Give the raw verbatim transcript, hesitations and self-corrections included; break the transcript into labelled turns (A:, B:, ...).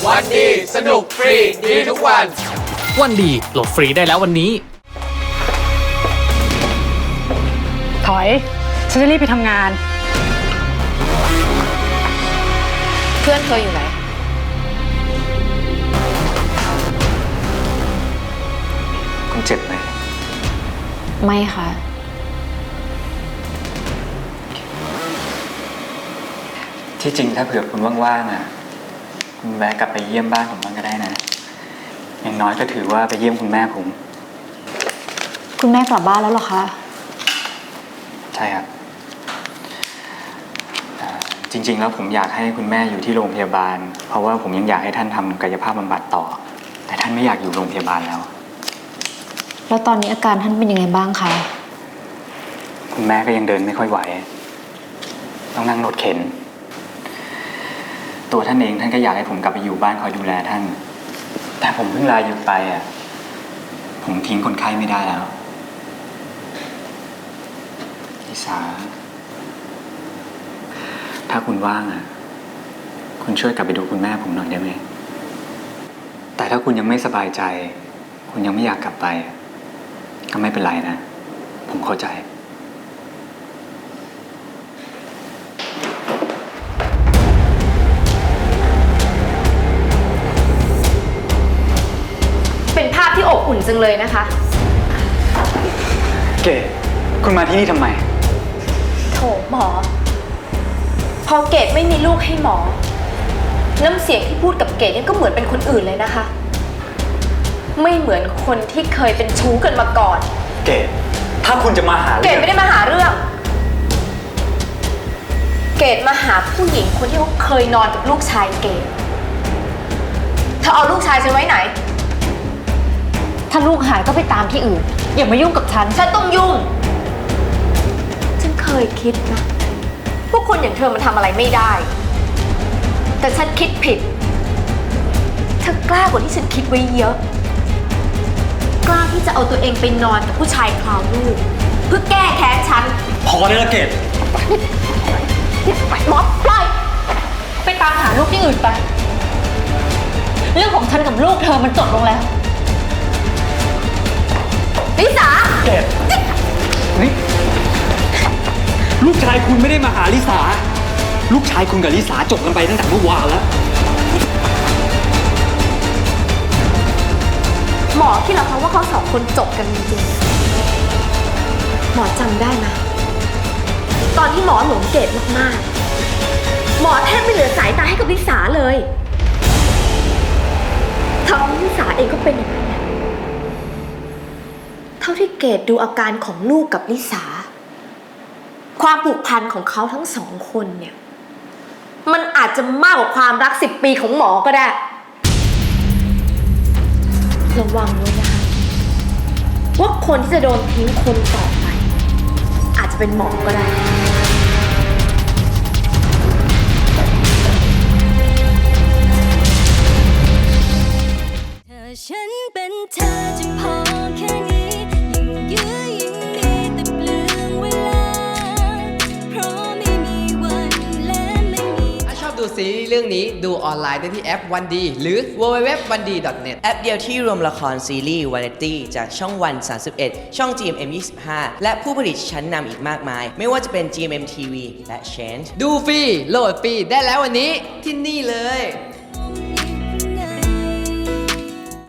A: วันดีสนุกฟรีดีทุกวัน
B: วันดีโหลดฟรีได้แล้ววันนี้
C: ถอยฉันจะรีบไปทำงาน
D: เพื่อนเธออยู่ไหน
E: คุณเจ็บไหม
D: ไม่ค่ะ
E: ที่จริงถ้าเผื่อคุณว่างๆอ่ะคุณแวะกลับไปเยี่ยมบ้านผมบ้างก็ได้นะอย่างน้อยก็ถือว่าไปเยี่ยมคุณแม่ผม
D: คุณแม่กลับบ้านแล้วเหรอคะ
E: ใช่ครับจริงๆแล้วผมอยากให้คุณแม่อยู่ที่โรงพยาบาลเพราะว่าผมยังอยากให้ท่านทำกายภาพบำบัดต่อแต่ท่านไม่อยากอยู่โรงพยาบาลแล้ว
D: แล้วตอนนี้อาการท่านเป็นยังไงบ้างคะ
E: คุณแม่ก็ยังเดินไม่ค่อยไหวต้องนั่งรถเข็นตัวท่านเองท่านก็อยากให้ผมกลับไปอยู่บ้านคอยดูแลท่านแต่ผมเพิ่งลาหยุดไปอ่ะผมทิ้งคนไข้ไม่ได้แล้วลิสาถ้าคุณว่างอ่ะคุณช่วยกลับไปดูคุณแม่ผมหน่อยได้ไหมแต่ถ้าคุณยังไม่สบายใจคุณยังไม่อยากกลับไปก็ไม่เป็นไรนะผมเข้าใจ
D: เป็นภาพที่อบอุ่นจังเลยนะคะ
E: เกดคุณมาที่นี่ทำไม
D: โถหมอพอเกดไม่มีลูกให้หมอน้ำเสียงที่พูดกับเกดนี่ก็เหมือนเป็นคนอื่นเลยนะคะไม่เหมือนคนที่เคยเป็นชู้กันมาก่อน
E: เกดถ้าคุณจะมาหา
D: เกดไม่ได้มาหาเรื่องเกดมาหาผู้หญิงคนที่เขาเคยนอนกับลูกชายเกดเธอเอาลูกชายฉันไว้ไหนถ้าลูกหายก็ไปตามที่อื่นอย่ามายุ่งกับฉันฉันต้องยุ่งฉันเคยคิดนะพวกคนอย่างเธอมันทำอะไรไม่ได้แต่ฉันคิดผิดเธอกล้ากว่าที่ฉันคิดไว้เยอะกล้าที่จะเอาตัวเองไปนอนกับผู้ชายคราวลูกเพื่อแก้แค้นฉัน
E: พอได้แล้วเกด
D: หมอปล่อยไปตามหาลูกที่อื่นไปเรื่องของฉันกับลูกเธอมันจบลงแล้วลิสา
E: เกดนี่ลูกชายคุณไม่ได้มาหาลิสาลูกชายคุณกับลิสาจบกันไปตั้งแต่เมื่อวานแล้ว
D: หมอคิดเหรอคะว่าเขาสองคนจบกันจริงๆหมอจำได้ไหมตอนที่หมอหลงเกดมากๆหมอแทบไม่เหลือสายตาให้กับลิสาเลยทั้งลิสาเองก็เป็นอย่างนั้นแหละเท่าที่เกดดูอาการของลูกกับลิสาความผูกพันของเขาทั้งสองคนเนี่ยมันอาจจะมากกว่าความรักสิบปีของหมอก็ได้ระวังไว้นะคะว่าคนที่จะโดนทิ้งคนต่อไปอาจจะเป็นหมอก็ได้
F: ถ้าฉันเป็นเธอจะพอแค่นี้ยิ่งยื้อยิ่งดีแต่เปลืองเวลาเพราะไม่มีวันและไม่มี
A: ถ้าชอบดูซีรีส์เรื่องนี้ดูออนไลน์ได้ที่แอปวันดีหรือ ดับเบิลยู ดับเบิลยู ดับเบิลยู ดอท วันดี ดอท เน็ต
G: แอปเดียวที่รวมละครซีรีส์วาไรตี้จากช่องวัน สามสิบเอ็ด ช่อง จี เอ็ม เอ็ม ยี่สิบห้า และผู้ผลิตชั้นนำอีกมากมายไม่ว่าจะเป็น จี เอ็ม เอ็ม ที วี และ Change
A: ดูฟรีโหลดฟรีได้แล้ววันนี้ที่นี่เลย